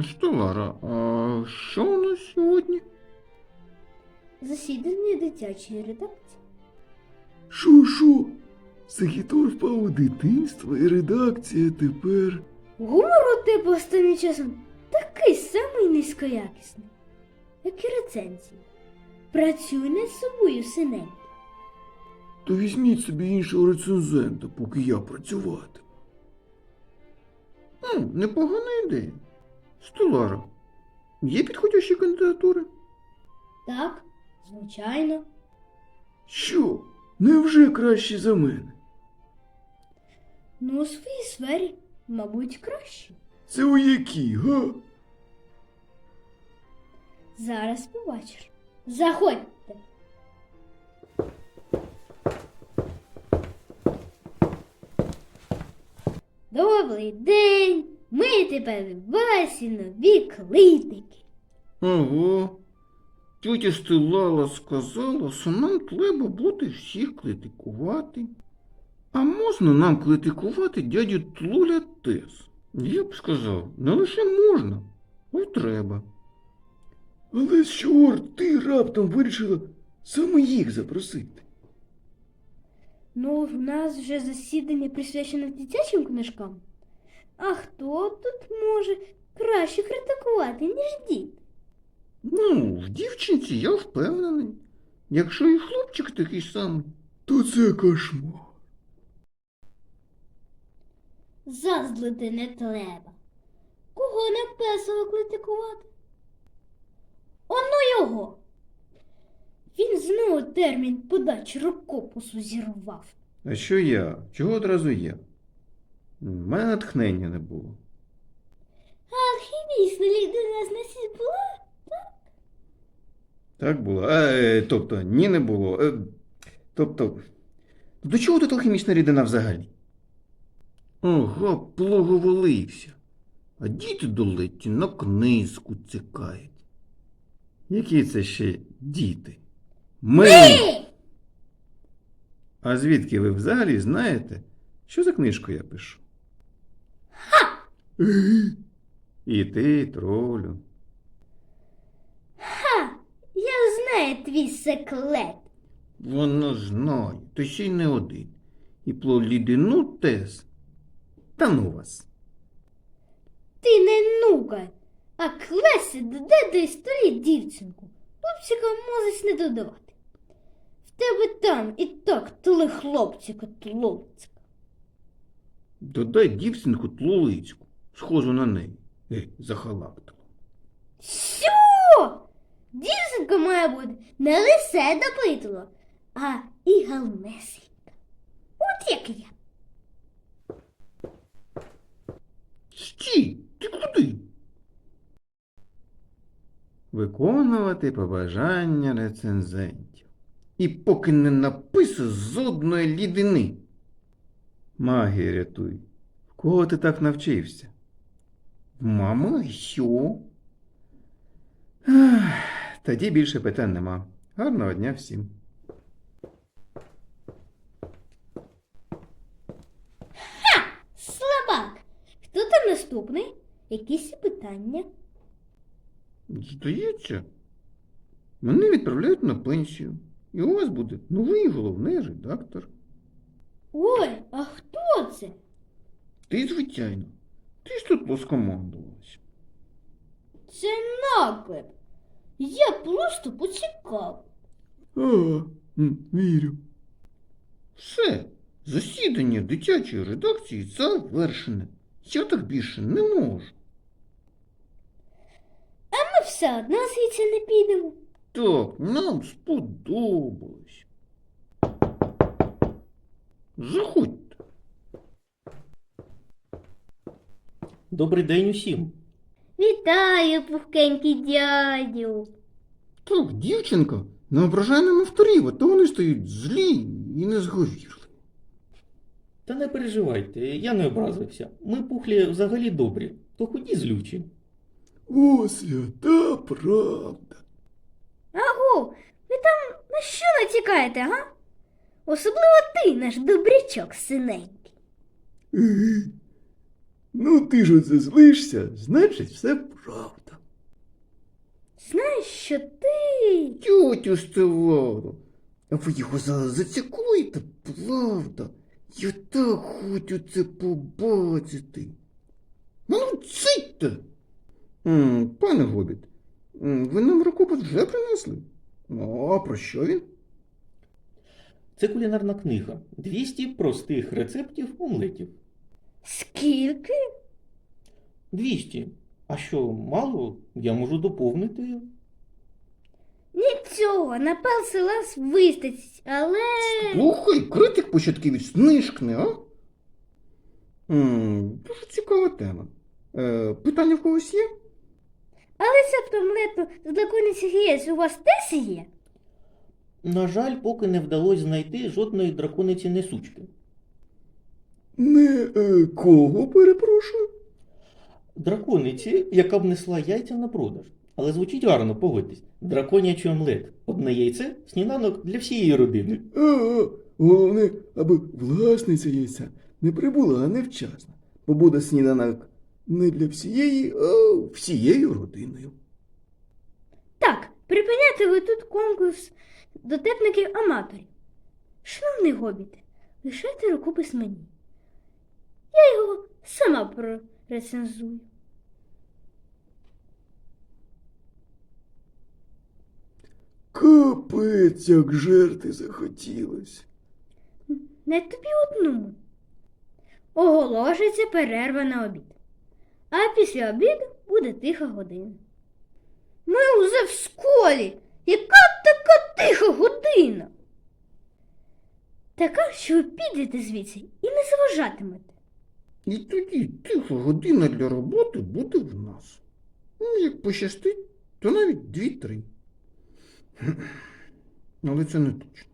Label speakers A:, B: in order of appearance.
A: Стеллара, а що у нас сьогодні?
B: Засідання дитячої редакції.
C: Шо? Сагітор впав у дитинство і редакція тепер.
B: Гумор у тебе останнім часом такий самий низькоякісний, як і рецензії. Працюй над собою, синенький.
C: То візьміть собі іншого рецензента, поки я працюватиму.
A: Непогана ідея. Стеллара, є підходящі кандидатури?
B: Так, звичайно.
C: Що? Невже краще за мене?
B: Ну, у своїй сфері, мабуть, краще.
C: Це у якій, га?
B: Зараз побачиш. Заходьте. Добрий день! Ми тепер ваші нові клитики.
A: Ого. Тьотя Стеллала сказала, що нам треба буде всіх критикувати. А можна нам критикувати дядю Тлуля Тес? Я б сказав, не лише можна, а й треба.
C: Але з чого ти раптом вирішила саме їх запросити?
B: Ну, в нас вже засідання присвячене дитячим книжкам. А хто тут може краще критикувати, ніж діти?
A: Ну, в дівчинці я впевнений. Якщо і хлопчик такий самий.
C: То це кошмар.
B: Заздрити не треба. Кого не весело критикувати? Оно його! Він знову термін подачі рукопису зірвав.
A: А що я? Чого одразу я? У мене натхнення не було.
B: Алхімічна людина з нас була?
A: Так було. Тобто, ні, не було. Тобто, до чого тут алхімічна рідина взагалі? Ага, плоговолився. А діти долеті на книжку цикають. Які це ще діти? Ми! А звідки ви взагалі знаєте, що за книжку я пишу? І ти, тролю.
B: Я знаю твій секрет.
A: Воно знає, то ще й не один. І про лідину тез. Та ну вас.
B: Ти не нукай, а класі додай до історії дівчинку. Хлопчика можеш не додавати. В тебе там і так тули хлопчика.
A: Додай дівчинку тлулицьку, схожу на неї. Захалактила.
B: Що? Дівчинка має бути не лише допитувала, а і галмесенька. От як я.
A: Стій, ти куди? Виконувати побажання рецензентів. І поки не напишу жодної лідини. Магія рятуй. В кого ти так навчився? В мами? Що? Тоді більше питань нема. Гарного дня всім.
B: Слабак. Хто там наступний? Якісь питання?
A: Здається, мене відправляють на пенсію. І у вас буде новий головний редактор.
B: Ой, а хто це?
A: Ти, звичайно. Ти ж тут поскомандувалась.
B: Це наклеп. Я просто поцікав.
C: Вірю.
A: Все, засідання дитячої редакції завершене. Я так більше не можу.
B: Ми все одно звідси не підемо.
A: Так, нам сподобалось. Заходьте.
D: Добрий день усім.
B: Вітаю, пухкенький дядю.
A: Так, дівчинка, не ображай нам авторів, а то вони стають злі і незговірливі.
D: Та не переживайте, я не образився. Ми пухлі взагалі добрі, то ході злючі.
C: О, свята правда.
B: Агу, ви там на що натякаєте, га? Особливо ти, наш добрячок синенький.
C: Ну ти ж оце злишся, значить все правда.
B: Знаєш, що ти.
A: Тьотю Стелларо, а ви його зараз зацікуєте, правда? Я так хочу це побачити. Ну, цитьте! Пане Гобіт, ви нам рукопис вже принесли? А про що він?
D: Це кулінарна книга. 200 простих рецептів омлетів.
B: Скільки?
D: 200. А що, мало? Я можу доповнити.
B: Нічого, на перший раз вистачить, але.
A: Слухай, критик початківець нишкне, а? Дуже цікава тема. Питання в когось є?
B: А рецепт омлету з дракониці яєць у вас теж є?
D: На жаль, поки не вдалося знайти жодної дракониці несучки.
C: Не кого, перепрошую?
D: Дракониці, яка б несла яйця на продаж. Але звучить гарно, погодьтесь. Драконячий омлет. Одне яйце – сніданок для всієї родини.
C: Головне, аби власниця яйця не прибула невчасно, бо буде сніданок не для всієї, а всією родиною.
B: Так, припиняйте ви тут конкурс дотепників-аматорів. Шановний гобіте, лишайте рукопис мені. Я його сама прорецензую.
C: Капець, як жерти захотілось.
B: Не тобі одному. Оголошується перерва на обід. А після обіду буде тиха година. Ми уже в школі. Яка така тиха година? Така, що ви підете звідси і не заважатимете.
A: І тоді тиха година для роботи буде в нас. Як пощастить, то навіть 2-3. Але це не точно.